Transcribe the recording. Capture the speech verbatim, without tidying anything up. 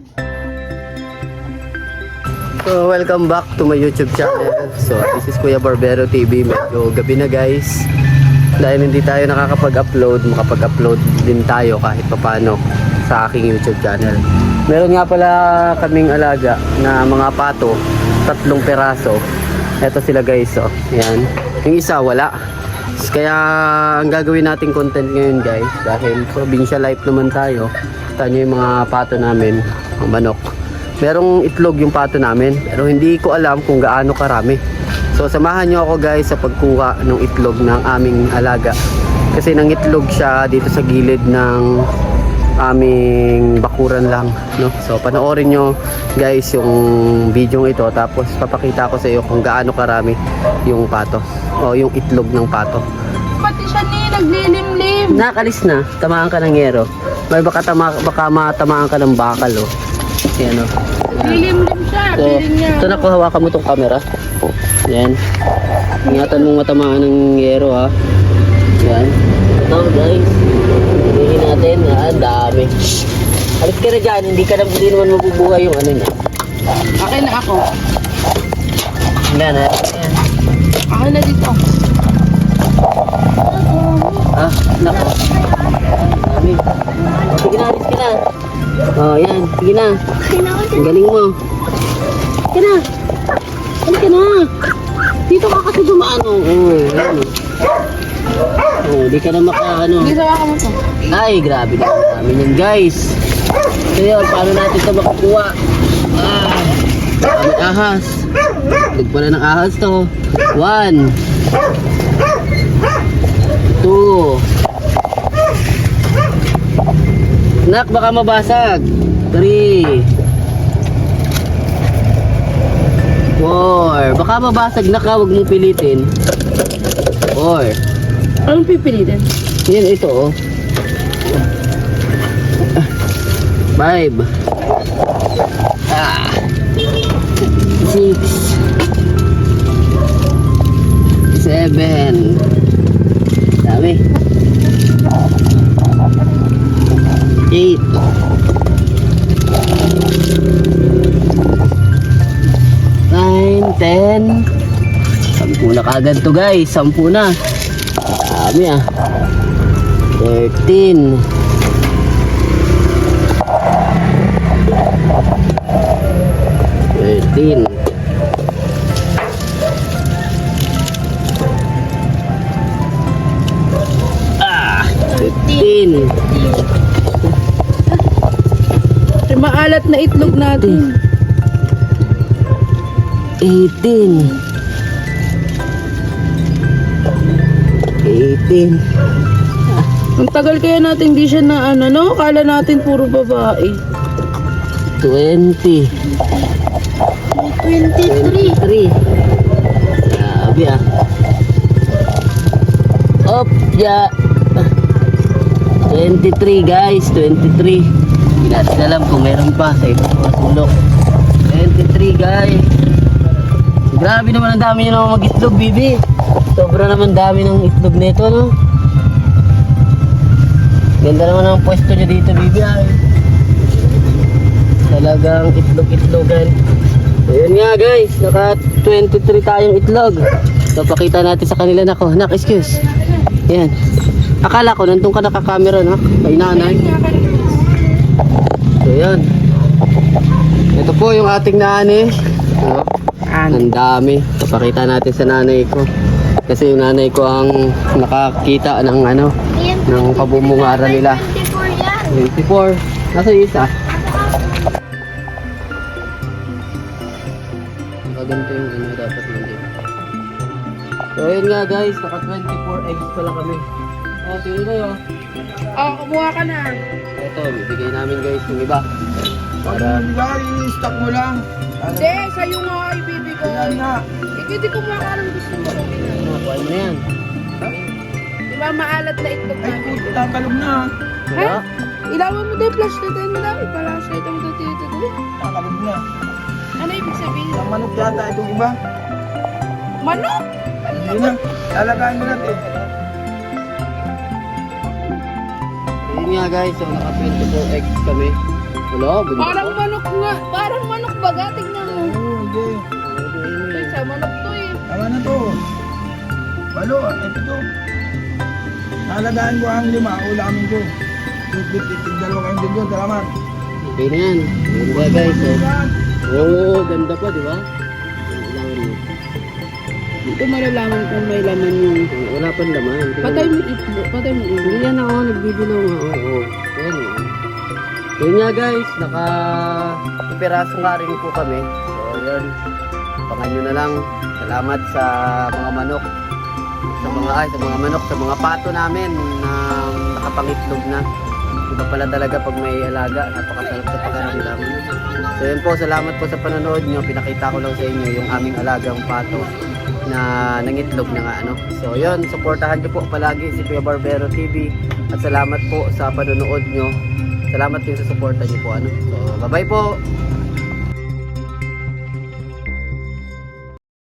So, welcome back to my YouTube channel. So, this is Kuya Barbero T V. Medyo gabi na guys. Dahil hindi tayo nakakapag-upload, makapag-upload din tayo kahit papano sa aking YouTube channel. Meron nga pala kaming alaga na mga pato, tatlong peraso. Eto sila guys, oh. Yan. Yung isa wala. Kaya ang gagawin nating content ngayon guys, dahil provincial life naman tayo, kita nyo yung mga pato namin, ang manok. Merong itlog yung pato namin, pero hindi ko alam kung gaano karami. So samahan nyo ako guys sa pagkuha ng itlog ng aming alaga. Kasi nangitlog siya dito sa gilid ng aming bakuran lang, no? So panoorin nyo guys yung video ito, tapos papakita ko sa iyo kung gaano karami yung pato o yung itlog ng pato. Pati siya ni naglilimlim. Nakalis na, tamaan ka ng yero. May baka, tama, baka matamaan ka ng bakal, oh. Yan, oh. Lilimlim siya. So, Piling niya. ito na ko, hawakan mo tong camera. Yan. Ingatan mong matamaan ng yero, ha. Yan. Ito guys, hindi natin, ha, dami. Alis ka na dyan, hindi ka na, hindi naman mabubuhay yung ano niya. Akin na ako. Yan, ha. Yan. Akin na dito. Ah, nako. Dami. Sige na, alis ka na. Oh, yan. Sige na. Ang galing mo. Sige na. Halika na. Dito ka kasi dumaan, oh. Oh, yan, oh. Oh, di ka na maka, ano. Hindi sa mo to. Ay, grabe na namin yan guys. So yun, paano natin ito makukuha? Ah, may ahas. Tig pala ng ahas to. One. Two. Nak, baka mabasag. Three. Four. Baka mabasag na ka, huwag mong pilitin. Four. Anong pipilitin? Yan, ito, oh. Five. Ah. Six. Seven. Dami. Eight. Nine. Ten. Sampu na kagad to guys. Sampu na. Dami ah. Thirteen. Thirteen. Ah, fifteen. Ay, maalat na itlog natin. Eighteen. Eighteen. Ang tagal kaya natin di siya na ano, no? Kala natin puro babae. Twenty. twenty-three. Three. Grabe ah. Op, ya. Twenty-three guys, twenty-three. Hindi natin alam kung meron pa sa ibang mga sulok. Twenty-three guys. Grabe naman ang dami nyo naman mag-itlog, bibi. Sobra naman dami ng itlog nito, no? Ganda naman ang pwesto nyo dito, bibi, ay. Talagang itlog-itlogan. So, yun nga guys, naka twenty-three tayong itlog. So, pakita natin sa kanila. Nako, nak, excuse. Yan. Akala ko, nandun ka nakakamera, no? Kay nanay. So, yan. Ito po yung ating nanay. No? Ang dami. So, pakita natin sa nanay ko. Kasi yung nanay ko ang nakakita ng ano, ng kabumungara nila. twenty-four. Nasa yung isa? Ganito yung ano dapat nandito. So ayun nga guys, naka twenty-four eggs pala kami. Oh, tino na yun. Oh, kumuha ka na. Ito, bibigay namin guys yung iba. Para Diba, i-stock mo lang. Hindi, sa'yo nga ibibigay. Yan na. Ikaw di kumuha ka ng gusto mo. ano, kuha na yan. Di ba maalat na itlog Ay, natin? puto, tatalog na. Wala. Ilawan mo din, flash na din na. Ipalasay mo din dito doon. Tatalog na. Ano ibig sabihin? Ang manok yata itong iba. Manok! Yun na. Lalagayin mo natin. Yun nga guys, so naka twenty-four eggs kami. Wala, ganda Parang pa. manok nga. Parang manok baga. Tignan mo. Oo, hindi. Ay, sa manok to eh. Tama na to. Walo, ito to. Nalagaan ko ang lima, ulamin ko. Tig dalawa kayong din doon, salamat. Okay na yan. Ganda guys. Oh, oh ganda pa, di ba? Kailangan mo. Dito malalaman kung may laman yung... Wala pang laman. Patay mo itlo. Patay mo Hindi itlo. yan ako, nagbibilaw nga. Oo, oo. Ayan o. So yun nga guys, naka piraso nga rin po kami. So yun, pangan nyo na lang. Salamat sa mga manok. Sa mga ay, sa mga manok, sa mga pato namin na nakapangitlog na. Iba pala talaga pag may alaga, napakasarap sa pakiramdam. So yun po, salamat po sa panonood nyo. Pinakita ko lang sa inyo yung aming alagang pato na nangitlog na nga ano. So yun, supportahan nyo po palagi si Kuya Barbero T V at salamat po sa panonood nyo. Salamat din sa suporta nyo po ano. So bye bye po.